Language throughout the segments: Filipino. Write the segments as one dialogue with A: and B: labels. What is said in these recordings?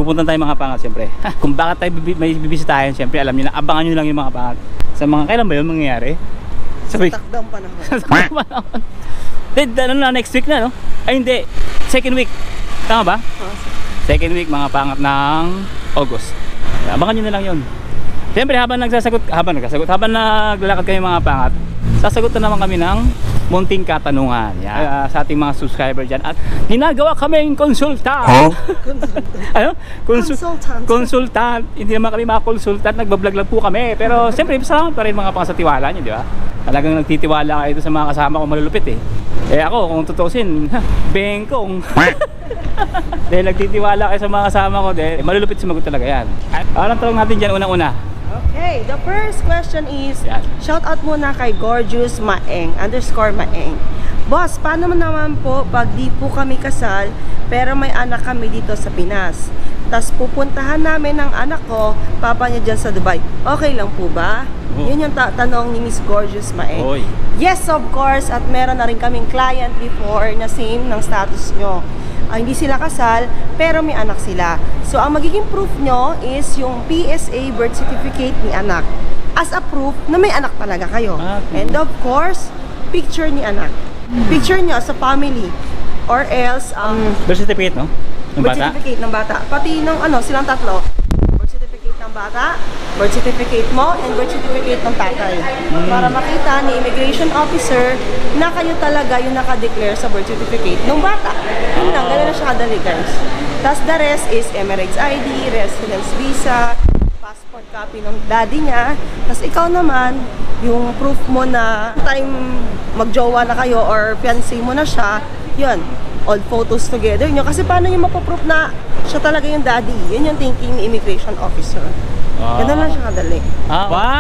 A: pupunta tayo mga pangat siyempre. Kung bakit tayo may bibisitahin, siyempre alam niyo na, abangan niyo lang yung mga pangat. Sa mga kailan ba yun mangyayari? Sabi,
B: Takdang panahon.
A: sa panahon. Ano na, next week na, no? Ay hindi, second week. Tama ba? Second week mga pangat ng August. Abangan nyo na lang yun. Siyempre habang naglalakad kayo mga pangat, sasagot na naman kami ng munting katanungan sa ating mga subscriber dyan. At ginagawa kaming konsultant.
C: Huh?
A: Ano?
B: Consultant.
A: Konsultant. Hindi naman kami mga konsultant, nagbablog lang po kami. Pero siyempre, salamat pa rin mga pang sa tiwala nyo, di ba? Talagang nagtitiwala kayo sa mga kasama ko malulupit eh. Eh ako, kung tutusin, bengkong. Dahil nagtitiwala kayo sa mga kasama ko, dahil malulupit sumagot talaga yan. Parang tanong natin dyan unang-una.
B: Okay, the first question is,
A: Yan.
B: shout out muna kay Gorgeous Maeng, _Maeng. Boss, paano naman po pag di po kami kasal, pero may anak kami dito sa Pinas? Tas pupuntahan namin ng anak ko, papa niya dyan sa Dubai. Okay lang po ba?
A: Oh.
B: Yun yung tanong ni Miss Gorgeous Maeng.
A: Oy.
B: Yes, of course, at meron na rin kaming client before na same ng status nyo. Hindi sila kasal, pero may anak sila. So, ang magiging proof nyo is yung PSA birth certificate ni anak. As a proof na may anak talaga kayo.
A: Okay.
B: And of course, picture ni anak. Picture nyo sa family. Or else,
A: Birth certificate, no? Ng
B: birth
A: bata?
B: certificate ng bata. Pati ng silang tatlo. Birth certificate ng bata, birth certificate mo, and birth certificate ng tatay. Para makita ni immigration officer na kayo talaga yung nakadeclare sa birth certificate ng bata. Yun lang, ganun na siya kadali guys. Tapos the rest is Emirates ID, residence visa, passport copy ng daddy niya. Tapos ikaw naman, yung proof mo na time magjowa na kayo or fiancé mo na siya, yun, all photos together nyo. Kasi paano yung mapaproof na siya talaga yung daddy? Yun yung thinking ni immigration officer. Ganun lang siya kadali.
A: Ba?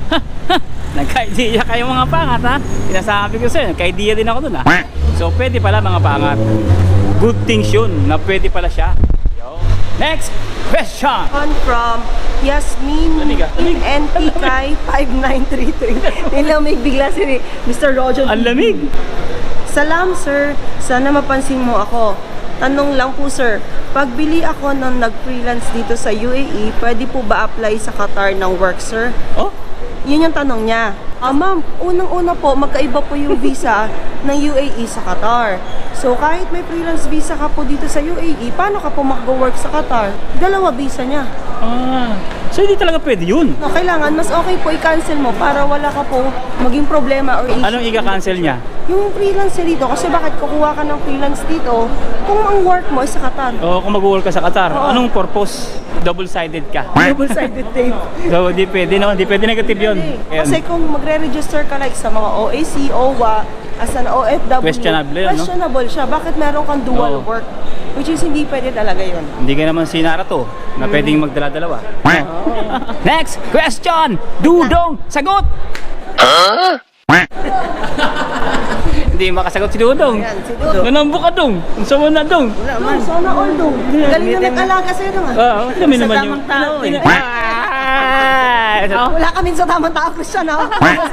A: Nagka-idea kayo mga pangat ha? Pinasabi ko sa'yo, nagka-idea din ako dun ha? So pwede pala mga pangat. Good things yun na pwede pala siya. Yo. Next question!
B: On from Yasmin
A: Lamig ah, lamig.
B: NTK 5933. Nilamig bigla si Mr. Roger.
A: Ang lamig!
B: Salam sir, sana mapansin mo ako. Tanong lang po sir, pagbili ako nung nag-freelance dito sa UAE, pwede po ba apply sa Qatar ng work sir?
A: Oh?
B: Yun yung tanong niya. Ma'am, unang-una po, magkaiba po yung visa ng UAE sa Qatar. So, kahit may freelance visa ka po dito sa UAE, paano ka po mag-work sa Qatar? Dalawa visa niya.
A: So hindi talaga pwede yun?
B: No, kailangan, mas okay po i-cancel mo para wala ka po maging problema or issue.
A: Anong i-cancel niya?
B: Yung freelance niya dito, kasi bakit kukuha ka ng freelance dito kung ang work mo ay sa Qatar?
A: O kung mag-work ka sa Qatar,
B: Oo.
A: anong purpose? Double-sided ka.
B: Double-sided tape.
A: So hindi pwede no? Hindi pwede negative yun. Ayan.
B: Kasi kung magre-register ka like sa mga OAC, OWA, as an OFW,
A: Questionable yun, no?
B: questionable siya. Bakit meron kang dual
A: Oo.
B: work? Which is hindi pwede talaga yun.
A: Hindi ka naman sinara to na pwedeng magdala-dalawa. Next question! Dudong! Sagot! Hindi makasagot si Dudong.
B: Ayan, si Dudong.
A: Nanambo ka dong. Ang sama na dong.
B: Dong, sana all dong. Galing na nag-alaga sa'yo dong ah.
A: Kami naman yung...
B: tao eh. Wala kami sa tamang tao, Christian ah.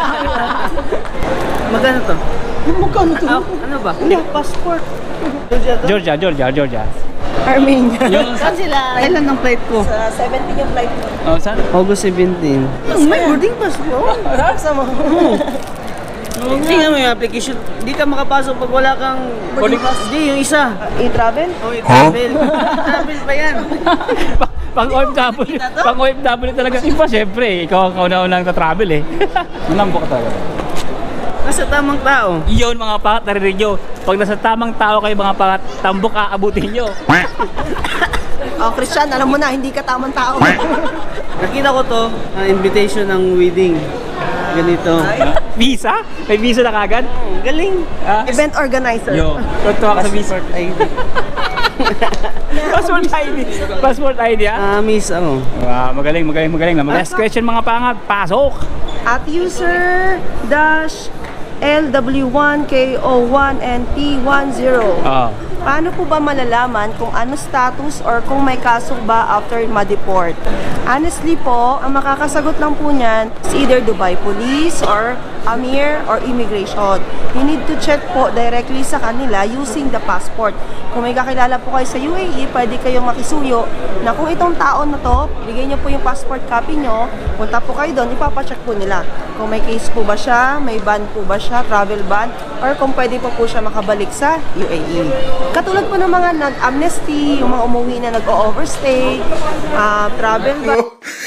D: Magkano to?
B: Magkano to?
D: Ano ba?
B: Ano, passport.
A: Georgia.
B: Armenia.
D: Saan sila? Kailan ang flight ko?
B: Sa 17 yung flight mo.
A: Oh, saan?
D: August 17.
B: May boarding pass mo. Sama.
D: Tingnan mo yung application. Hindi ka makapasok pag wala kang boarding pass. Hindi, yung isa.
B: I-travel?
D: Oh, travel. Travel pa yan.
A: Pang OFW. Pang OFW talaga. Iba syempre, ikaw ang kauna-unang travel eh. Nanambo ka talaga.
D: Nasa tamang tao.
A: Iyon mga pangat, narinig nyo. Pag nasa tamang tao kayo mga pangat, tambok aabutin nyo.
B: Oh, Christian, alam mo na, hindi ka tamang tao.
D: Nakita ko to, invitation ng wedding. Ganito.
A: Visa? May visa na kagad?
D: Galing.
B: Event organizer.
A: Yo, tuwa ka sa visa.
D: ID.
A: Passport ID. Passport ID ah?
D: Miss ako.
A: Magaling. Last question mga pangat, pasok!
B: At user dash LW1KO1NP10. Paano po ba malalaman kung ano status or kung may kaso ba after ma-deport? Honestly po, ang makakasagot lang po niyan is either Dubai Police or Amir or Immigration. You need to check po directly sa kanila using the passport. Kung may kakilala po kayo sa UAE, pwede kayong makisuyo na kung itong taon na to, bigay niyo po yung passport copy niyo, punta po kayo doon, ipapacheck po nila. Kung may case po ba siya, may ban po ba siya, travel ban, or kung pwede po siya makabalik sa UAE. Katulad po ng mga nag-amnesty, yung mga umuwi na nag-overstay, travel ban.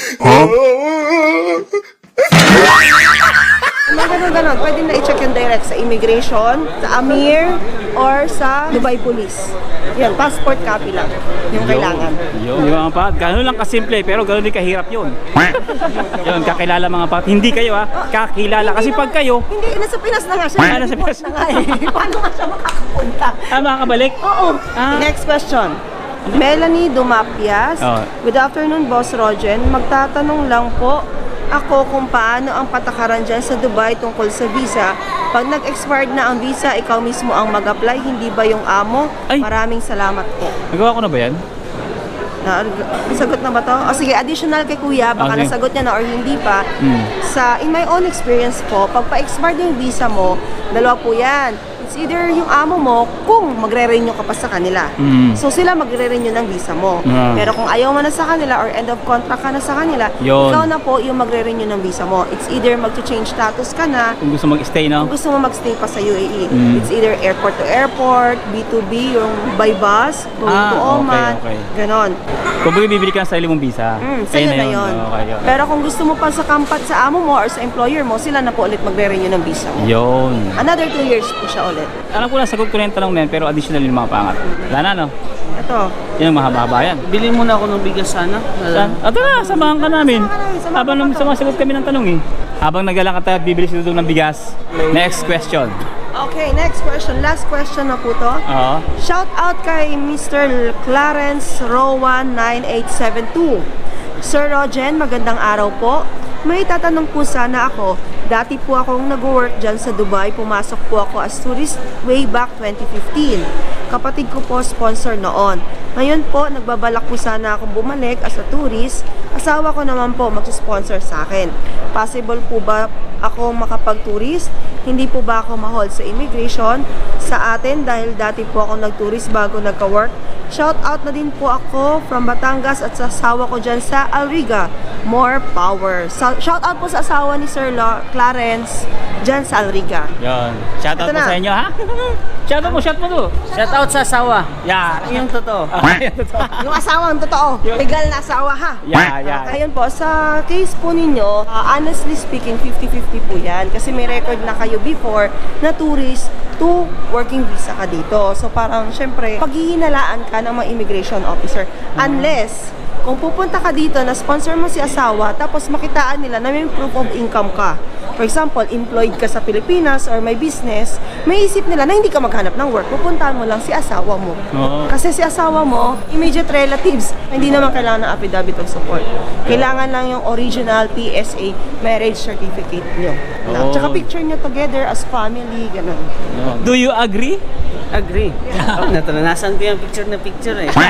B: Mga ganun, pwede na i-check yung direct sa Immigration, sa Amir, or sa Dubai Police. Yan, passport copy lang yung kailangan.
A: Yun, mga pat, gano'n lang kasimple, pero gano'n din kahirap yun. Yun, kakilala mga pat. Hindi kayo kakilala. Kasi pag kayo,
B: Hindi, nasa Pinas na nga siya.
A: Nasa Pinas
B: na nga eh. Paano nga siya makakapunta?
A: makakabalik.
B: Oo. Next question. Melanie Dumapias.
A: Oh.
B: Good afternoon, Boss Rogen. Magtatanong lang po ako kung paano ang patakaran dyan sa Dubai tungkol sa visa. Pag nag-expired na ang visa, ikaw mismo ang mag-apply, hindi ba yung amo?
A: Ay.
B: Maraming salamat po.
A: Nagawa ko na ba yan?
B: Nasagot na ba to? O sige, additional kay Kuya, baka
A: Okay.
B: nasagot niya na or hindi pa. In my own experience po, pag pa-expired yung visa mo, dalawa po yan. It's either yung amo mo kung magre-renew ka pa sa kanila. So sila magre-renew ng visa mo. Pero kung ayaw mo na sa kanila or end of contract ka na sa kanila,
A: Yun.
B: ikaw na po yung magre-renew ng visa mo. It's either mag-change status ka na,
A: Kung gusto mag-stay, no?
B: kung gusto mo magstay pa sa UAE. It's either airport to airport, B2B, yung by bus, going to Oman,
A: okay.
B: ganon.
A: Kung bibili ka ng sarili mong visa,
B: Sa'yo
A: ayun
B: na yun.
A: Okay, yun.
B: Pero kung gusto mo pa sa kampat sa amo mo or sa employer mo, sila na po ulit magre-renew ng visa mo.
A: Yun.
B: Another 2 years po siya ulit.
A: Alam ko na, sagot ko na yung tanong na yun, pero additional yung mga pangat. Wala na, no?
B: Ito.
A: Yan, mahaba-haba yan.
D: Bilhin muna ako ng bigas sana.
A: Saan? Tara, samahan ka namin.
B: Samahan
A: Habang
B: ka
A: nung
B: to.
A: sumasagot kami ng tanong eh. Habang naglalakad tayo at bibili si Dudong ng bigas. Next question.
B: Okay, next question. Last question na po to.
A: Oo.
B: Shout out kay Mr. Clarence Rowan 9872. Sir Rogen, magandang araw po. May tatanong po sana ako. Dati po akong nag-work dyan sa Dubai. Pumasok po ako as tourist way back 2015. Kapatid ko po sponsor noon. Ngayon po, nagbabalak po sana akong bumalik as a tourist. Asawa ko naman po mag-sponsor sa akin. Possible po ba ako makapag-tourist? Hindi po ba ako ma-hold sa immigration sa atin dahil dati po ako nag-tourist bago nagka-work? Shout out na din po ako from Batangas at sa asawa ko dyan sa Alriga. More power. Shout out po sa asawa ni Sir Clarence dyan sa Alriga.
A: Yun. Shoutout
B: Ito
A: po
B: na.
A: sa inyo, ha? Shoutout mo, shout mo to.
D: Shout out sa asawa.
A: Yeah.
D: Yung totoo.
B: Yung asawa ang totoo. Legal na asawa ha.
A: Yeah.
B: Ayun po, sa case po ninyo, honestly speaking, 50-50 po yan. Kasi may record na kayo before na tourist to working visa ka dito. So parang, syempre, paghihinalaan ka ng mga immigration officer. Unless, kung pupunta ka dito na sponsor mo si asawa, tapos makitaan nila na may proof of income ka. For example, employed ka sa Pilipinas or may business, may isip nila na hindi ka maghanap ng work, pupuntahan mo lang si asawa mo.
A: Oo.
B: Kasi si asawa mo, immediate relatives, hindi naman kailangan ng affidavit of support. Kailangan lang yung original PSA marriage certificate nyo.
A: Oo.
B: Tsaka picture nyo together as family, ganun.
A: Do you agree?
D: Agree. Nataranasan ko yung picture na picture eh.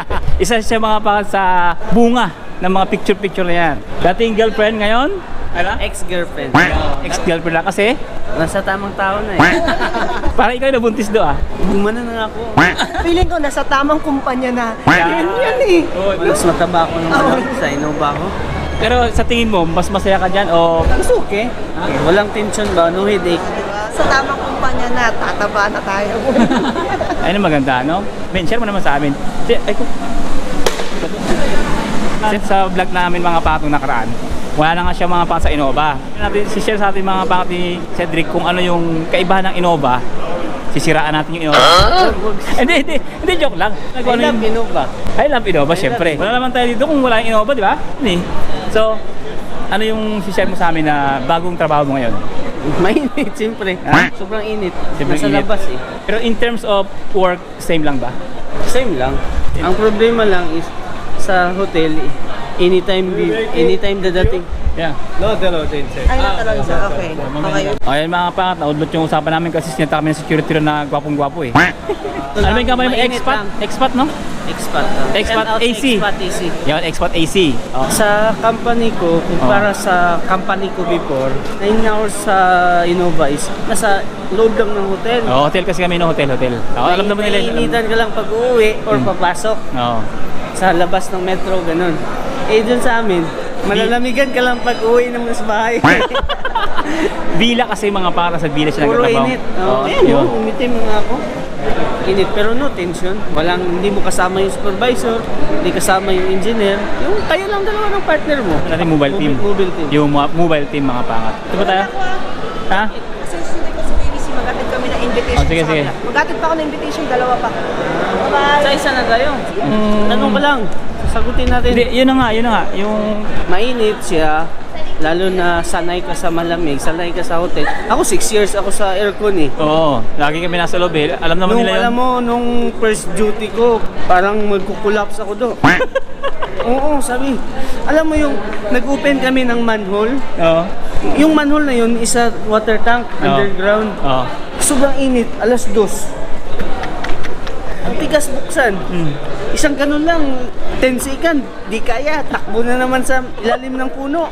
A: Isa siya mga pangat sa bunga ng mga picture-picture na yan. Dating girlfriend ngayon? Ano?
D: Ex-girlfriend.
A: Ex-girlfriend lang kasi
D: Nasa tamang tao na eh.
A: parang ikaw yung nabuntis do
D: Gumana na nga ako.
B: Feeling ko nasa tamang kumpanya na.
A: Yeah.
B: Yan eh.
D: Mas mataba ako nung sa Innova ko.
A: Pero sa tingin mo, mas masaya ka dyan o
D: It's okay. Walang tension ba? No headache.
B: Sa tamang kumpanya na, tataba na tayo.
A: ayun maganda, no? Ben, share mo naman sa amin. Ay, sa vlog namin mga patong nakaraan, wala na nga siya mga pangat sa Innova. Si-share sa atin mga pangat ni Cedric kung ano yung kaibahan ng Innova. Sisiraan natin yung Innova. Hindi, joke lang.
D: I love Innova.
A: I love Innova, syempre. Wala naman tayo dito kung wala yung Innova, di ba? So, ano yung si-share mo sa amin na bagong trabaho mo ngayon?
D: Mainit, siyempre.
A: Ha?
D: Sobrang init.
A: Sobrang
D: Nasa
A: init.
D: labas eh.
A: Pero in terms of work, same lang ba?
D: Same lang. Ang problema lang is sa hotel, anytime dadating.
A: Yeah.
D: No, Lotte inside.
B: Ay, natalon siya. Okay. Okay.
A: Ayun mga pangat, naudlot yung usapan namin kasi sinita kami ng security ron na gwapong-gwapo eh. Ano ba yung kamay mo?
D: Mainit
A: Expat?
D: lang.
A: Expat, no?
D: Expat.
A: Expat
D: Shout out
A: AC.
D: Expat AC.
A: Yan, Expat AC. Oh.
D: Sa company ko, para sa company ko before, 9 hours sa Innova is nasa loob lang ng hotel.
A: Oh, hotel kasi kami, no? Hotel. Alam naman nila.
D: Mainitan ka lang pag uuwi or papasok
A: Oo.
D: sa labas ng metro, ganun. Eh, dun sa amin, malalamigan ka lang pag uwi naman sa bahay.
A: Bila kasi mga para sa bila siya
D: Puro
A: nagtatrabaho.
D: init.
A: Oo,
D: Ayun,
A: yun.
D: umitim nga ako. Init, pero no tension. Hindi mo kasama yung supervisor, hindi kasama yung engineer. Yung kayo lang dalawa ng partner mo.
A: Ano natin mobile team?
D: Mobile team.
A: Yung mobile team mga pangat. Ito ba tayo? Ha?
B: Kasi susunod ko sa BBC, maghatid kami ng invitation
A: Oh, sige,
B: sa
A: sige.
B: kanila. Maghatid pa ako ng invitation, dalawa pa. Bye-bye!
D: Sa isa na tayo. Tanong ko lang, sagutin natin.
A: Hindi, yun na nga. Yung
D: Mainit siya, lalo na sanay ka sa malamig, sanay ka sa hotel. Ako 6 years ako sa aircon eh.
A: oo, lagi kami nasa loob eh. Alam naman nila yun.
D: Alam mo, nung first duty ko, parang magkukulaps ako do. Oo, sabi. Alam mo yung nag-open kami ng manhole,
A: Oo.
D: yung manhole na yun is a water tank underground.
A: Oo.
D: Sobrang init, 2:00. Ang tigas buksan. Isang ganun lang, 10 second, di kaya, takbo na naman sa ilalim ng puno.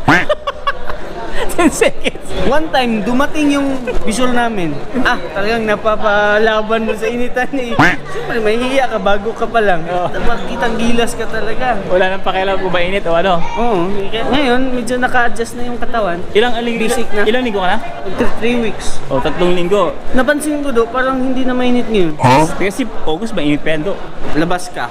A: 10 seconds.
D: One time, dumating yung visual namin. Talagang napapalaban mo sa initan eh. Siyempre, may hiya ka bago ka pa lang. Makikitang gilas ka talaga.
A: Wala nang pakialam kung mainit o ano.
D: Oo. Ngayon, medyo naka-adjust na yung katawan.
A: Basic
D: na.
A: Ilang linggo ka na?
D: 3 weeks.
A: O, 3 linggo.
D: Napansin ko do, parang hindi na mainit ngayon.
A: Kasi August mainit pa yan do.
D: Labas ka.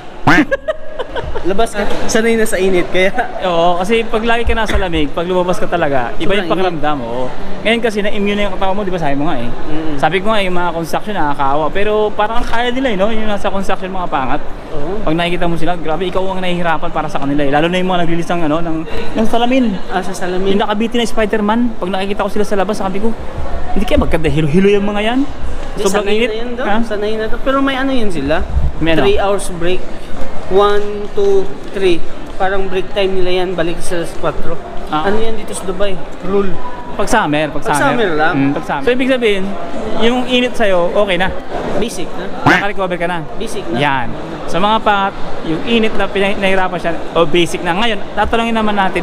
D: Labas ka. Sanay na sa init, kaya...
A: Oo, kasi pag lagi ka nasa lamig, pag lumabas ka talaga, iba yung
D: Sobrang
A: pakiramdam mo. Ngayon kasi na-immune na yung katawan mo, di ba sabi mo nga eh. Sabi ko nga yung mga construction nakakaawa, pero parang kaya nila eh, no? Yung nasa construction mga pangat.
D: Oo.
A: Pag nakikita mo sila, grabe ikaw ang nahihirapan para sa kanila eh. Lalo na yung mga naglilis ng ano, ng salamin.
D: Sa salamin.
A: Yung nakabiti na Spider-Man, pag nakikita ko sila sa labas, sabi ko, hindi kaya magkanda hilo-hilo yung mga yan. Sobrang
D: sanay
A: init.
D: na yun daw.
A: Ha?
D: Sanay na daw. Pero may ano yun sila.
A: May ano?
D: 3 hours break. 1, 2, 3. Parang break time nila yan. Balik sa 4. Ano yan dito sa Dubai? Rule.
A: Pag summer.
D: Pag summer lang.
A: Pag summer. So ibig sabihin, yung init sa'yo, okay na.
D: Basic na.
A: Naka-recover ka na.
D: Basic na.
A: Yan. Sa mga pangat, yung init na nahirapan siya, o basic na. Ngayon, tatanungin naman natin,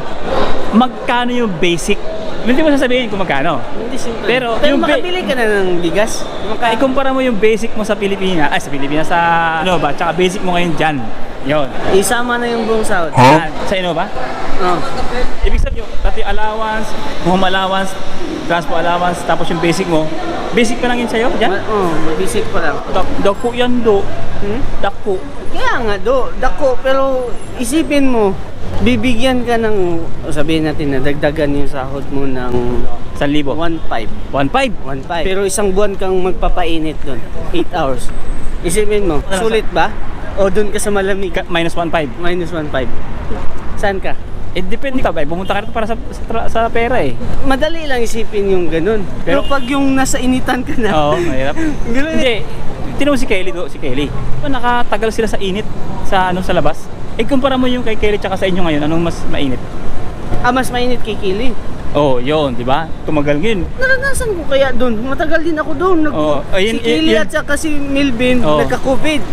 A: magkano yung basic? Hindi mo sasabihin kung magkano.
D: Hindi simple.
A: Pero
D: Pero
A: yung
D: makabili ka na ng bigas.
A: Ikumpara mo yung basic mo sa Pilipinas, sa Innova, tsaka basic mo ngayon dyan. Yun.
D: Isama na yung buong sahod.
A: Yan. Sa Innova?
D: Oh.
A: Ibig sabihin, pati allowance, home allowance, transport allowance, tapos yung basic mo, basic pa lang yun sa'yo, dyan?
D: Basic pa lang.
A: Dako yan, do. Dako.
D: Kaya nga dako, pero isipin mo, bibigyan ka ng, sabihin natin na dagdagan yung sahod mo ng
A: 1,000.
D: 1.5.
A: 1,500.
D: Pero isang buwan kang magpapainit doon, 8 hours. Isipin mo, sulit ba? O doon ka sa malamig?
A: Minus 1,500.
D: Minus 1.5. Saan ka?
A: Depende ka ba? Pumunta ka rito para sa pera eh.
D: Madali lang isipin yung ganun. Pero pag yung nasa initan ka na,
A: Oo, mahirap.
D: ganun.
A: Hindi. Tinawag si Kelly do, si Kelly. Nakatagal sila sa init sa labas. Kumpara mo yung kay Kelly tsaka sa inyo ngayon, anong mas mainit?
D: Mas mainit kay Kili.
A: Oh, yun, di ba? Tumagal ngayon.
D: Naranasan ko kaya doon. Matagal din ako doon.
A: Ayun,
D: Si Kili
A: yun.
D: at saka si Milvin
A: Oo.
D: nagka-COVID.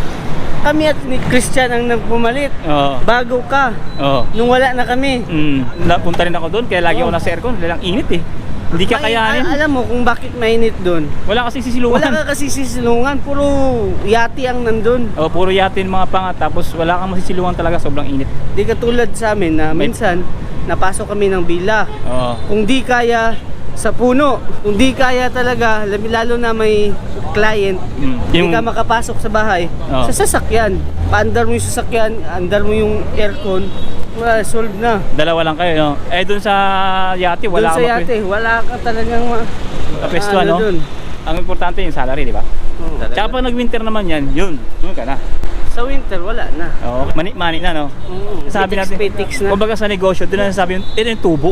D: Kami at ni Christian ang nagpumalit.
A: Oo.
D: Bago ka.
A: Oo.
D: Nung wala na kami.
A: Napunta rin ako doon, kaya lagi ako nasa aircon, lang init eh. Hindi ka kayanin.
D: Alam mo kung bakit mainit doon?
A: Wala kasi sisilungan.
D: Wala ka kasi sisilungan. Puro yati ang nandun.
A: Oh, puro yatin mga pangat, tapos wala kang masisilungan talaga, sobrang init.
D: Di katulad sa amin na minsan napasok kami ng bila.
A: Oo.
D: Kung di kaya sa puno, kung di kaya talaga, lalo na may client, hindi ka makapasok sa bahay,
A: Oo.
D: sa sasakyan. Paandar mo yung sasakyan, andar mo yung aircon, wala, solve na.
A: Dalawa lang kayo, no? Doon sa yate,
D: Doon
A: wala
D: sa yate, wala ka talagang
A: kapesto, no?
D: dun.
A: Ang importante yung salary, di ba?
D: Oo.
A: Tsaka pag nag-winter naman yan, yun ka na.
D: Sa winter, wala na.
A: Oo, mani na, no?
D: Oo.
A: Sabi natin,
D: Petix na.
A: kumbaga sa negosyo, doon na sabi yun, ito yung tubo.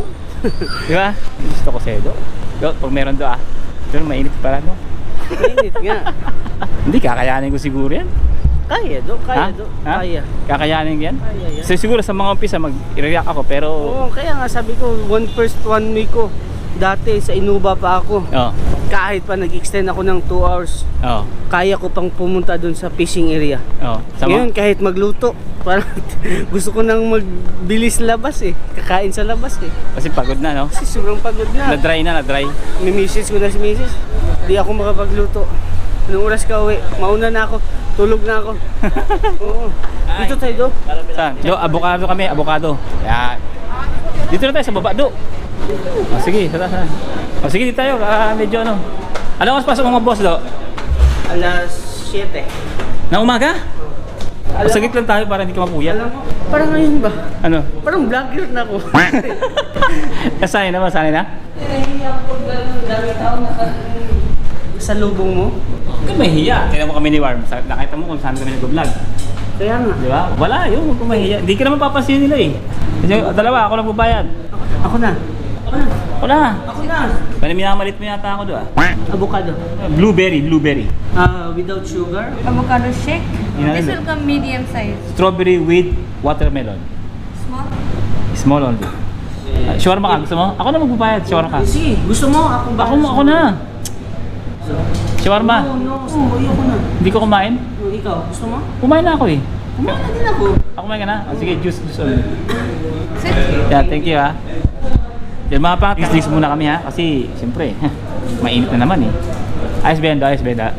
A: Di ba? Gusto ko sedo. Pag meron doon, doon mainit pala, no?
D: Mainit nga.
A: Hindi, kakayanin ko siguro yan.
D: Kaya do, kaya
A: Ha?
D: do,
A: Ha?
D: kaya.
A: Kakayanin yan?
D: Kaya yan.
A: So siguro sa mga umpisa mag-react ako pero
D: Oo, kaya nga sabi ko, one week ko. Dati sa Inuba pa ako.
A: oh,
D: Kahit pa nag-extend ako ng 2 hours,
A: oh,
D: kaya ko pang pumunta dun sa fishing area.
A: oh.
D: Ngayon kahit magluto, parang gusto ko nang magbilis labas eh. Kakain sa labas eh.
A: Kasi pagod na, no?
D: Kasi sobrang pagod na.
A: Na-dry na, na-dry.
D: Mimisis ko na si Mrs. Di ako makapagluto. Anong oras ka uwi? Mauna na ako. Tulog na ako. Oo. Dito tayo do.
A: Saan? Do, avocado kami, avocado. Yan. Dito na tayo sa baba, do. Oh, sige, tara. Oh, sige, dito tayo. Medyo ano. Ano oras pasok mga boss, do?
D: Alas 7.
A: Na umaga? Sagit lang tayo para hindi ka mapuyat.
D: Alam mo, parang ngayon ba?
A: Ano?
D: Parang vlogger na ako.
A: Sanay na ba? Sanay na?
D: Nahihiya ako gano'n. Dami tao sa lubong mo.
A: Huwag kang mahihiya. Kaya mo kami ni Warm. Nakita mo kung saan kami nag-vlog.
D: Kaya nga.
A: Di ba? Wala, yun. Huwag kang mahihiya. Hindi ka naman papansin nila eh. Kasi dalawa, ako lang bubayad.
D: Ako na.
A: Ako na.
D: Ako na.
A: Pwede minamalit mo yata ako doon.
D: Avocado.
A: Blueberry.
D: Without sugar.
C: Avocado shake.
A: Yun
C: This
A: na.
C: will come medium size.
A: Strawberry with watermelon.
C: Small?
A: Small only. Shawarma ka, gusto mo? Ako na magbabayad, shawarma ka.
D: Sige, gusto mo?
A: Ako na. Shawarma.
D: No, ayoko na.
A: Hindi ko kumain.
D: Ikaw, gusto mo?
A: Kumain na ako eh.
D: Kumain na din ako.
A: Ako kumain ka na? Sige, juice only.
C: Sit.
A: Yeah, thank you ha. Yan mga pang, drinks muna kami ha. Kasi, siyempre, mainit na naman eh. Ayos benda, ayos benda.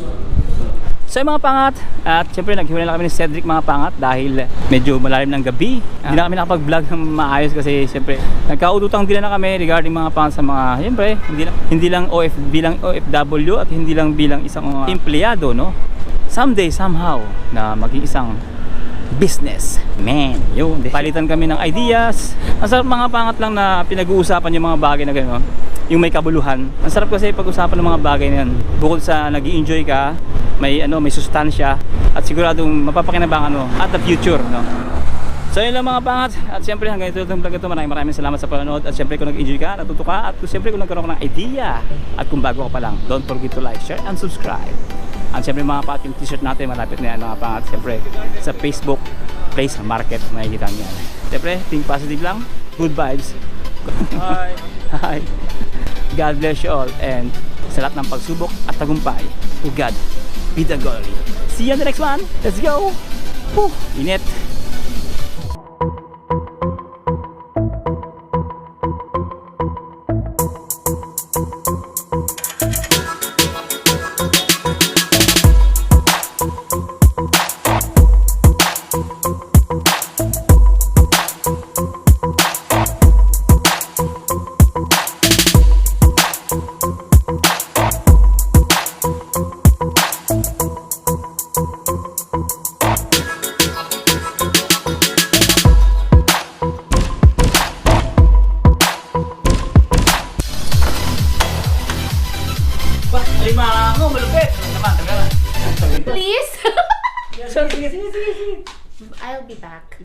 A: So yung mga pangat, at siyempre naghiwalay na kami ni Cedric mga pangat dahil medyo malalim ng gabi. Hindi na kami nakapag-vlog ng maayos kasi siyempre nagkaututang din na kami regarding mga pangat sa mga, siyempre, hindi lang bilang OFW at hindi lang bilang isang empleyado, no? Someday, somehow, na maging isang business man. Yun, palitan kami ng ideas. Ang sarap mga pangat lang na pinag-uusapan yung mga bagay na gano'n. Yung may kabuluhan. Ang sarap kasi pag-usapan ng mga bagay na yan. Bukod sa nag-i-enjoy ka, may sustansya at siguradong mapapakinabangan mo at the future, no? So yun lang mga pangat. At siyempre hanggang ito itong vlog ito. Maraming salamat sa panonood. At siyempre kung nag-enjoy ka, natuto ka, at siyempre kung nagkaroon ka ng idea at kung bago ka pa lang, don't forget to like, share, and subscribe. At siyempre mga pangat, yung t-shirt natin malapit na yan mga pangat. Siyempre sa Facebook Place Market makikita niyo yan. Siyempre think positive lang, good vibes. Hi. Hi. God bless you all, and sa lahat ng pagsubok at tagumpay, to God be the glory. See you on the next one. Let's go. Whew. Init. Lima mo, malupit. Naman, tagal.
C: Please?
A: Sige, sige, sige.
C: I'll be back.